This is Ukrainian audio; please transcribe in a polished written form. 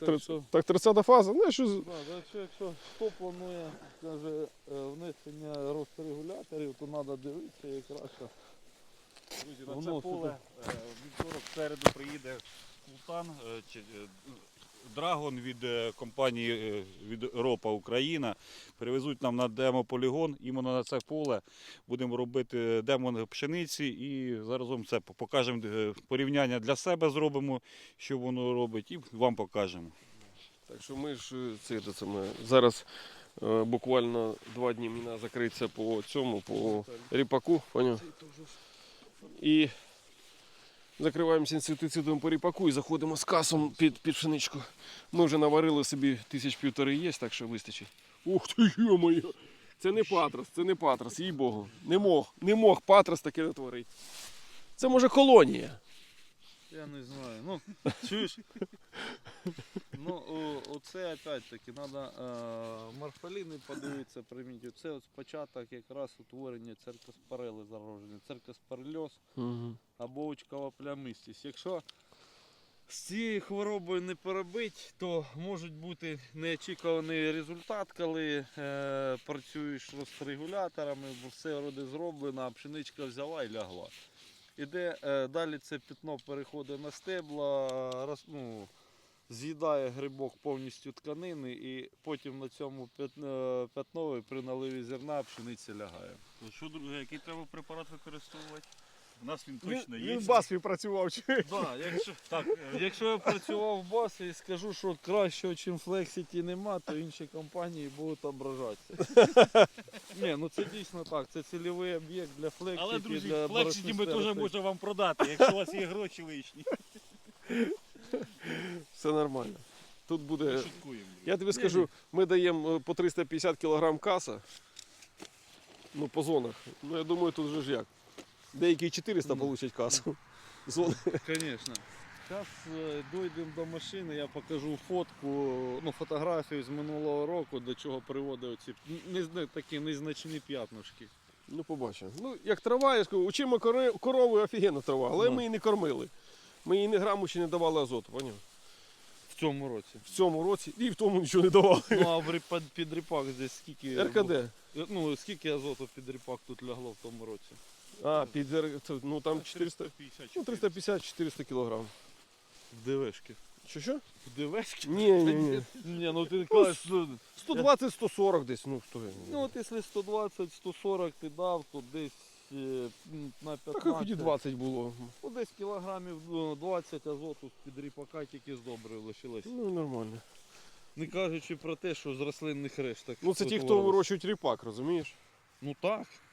Так 30-та фаза, ну що... Якщо хто планує, каже, внесення рострегуляторів, то треба дивитися якраз. Друзі, на це поле вівторок в середу приїде Султан, Драгон від компанії від Ропа Україна. Перевезуть нам на демополігон, іменно на це поле. Будемо робити демо пшениці і заразом це покажемо, порівняння для себе зробимо, що воно робить, і вам покажемо. Так що ми ж зараз буквально 2 дні міна закриється по цьому, по ріпаку, поняв? І закриваємося інсектицидом по ріпаку і заходимо з касом під пшеничку. Ми вже наварили собі 1,5 є, так що вистачить. Ух ти, ё-моє! Це не патрос, їй-богу. Не мог патрос таке натворити. Це може колонія. Я не знаю. Ну, чуєш? Ну, оце опять-таки, треба морфоліни подивитися, приміть. Оце от початок якраз утворення церкоспорели зараження, церкоспорельоз або очкова плямистість. Якщо з цією хворобою не поробити, то може бути неочікуваний результат, коли працюєш з регуляторами, бо все вроде зроблено, а пшеничка взяла і лягла. Іде далі це пятно переходить на стебла, з'їдає грибок повністю тканини і потім на цьому пятнові при наливі зерна пшениця лягає. Що, друге, який треба препарат використовувати? У нас він точно є. Він в Басфі працював. Якщо я працював в Басфі і скажу, що кращого, ніж Flexity нема, то інші компанії будуть ображатися. Ні, ну це дійсно так, це цільовий об'єкт для Flexity. Але, друзі, для Flexity ми теж можемо вам продати, якщо у вас є гроші лишні. Все нормально. Тут буде... Ми шуткуємо. Я тобі скажу, ми даємо по 350 кг каса, ну по зонах. Ну я думаю, тут вже ж як. Деякі 400 получать касу. Зони. Звісно. Зараз дійдемо до машини, я покажу фотографію з минулого року, до чого приводили ці такі незначні п'ятнишки. Ну побачимо. Ну як трава, я скажу, учимо корови офігенна трава, але ми її не кормили. Ми їй ні граму ще не давали азоту, поняв? В цьому році. В цьому році і в тому нічого не давали. Ну а під ріпак здесь скільки? РКД. Ну скільки азоту під ріпак тут лягло в тому році? А, ну там 400, ну 350-400 кг. В ДВшки. Що? В ДВшки? Ні. Ні, ну ти кажеш, 120-140 десь, ну хто. Ну от якщо 120-140 ти дав, то десь на 15. Так хоч і 20 було. Ну, десь кілограмів 20 азоту з-під ріпака тільки з добрив лишилось. Ну нормально. Не кажучи про те, що з рослинних решток. Ну це ті, хто вирощують ріпак, розумієш? Ну так.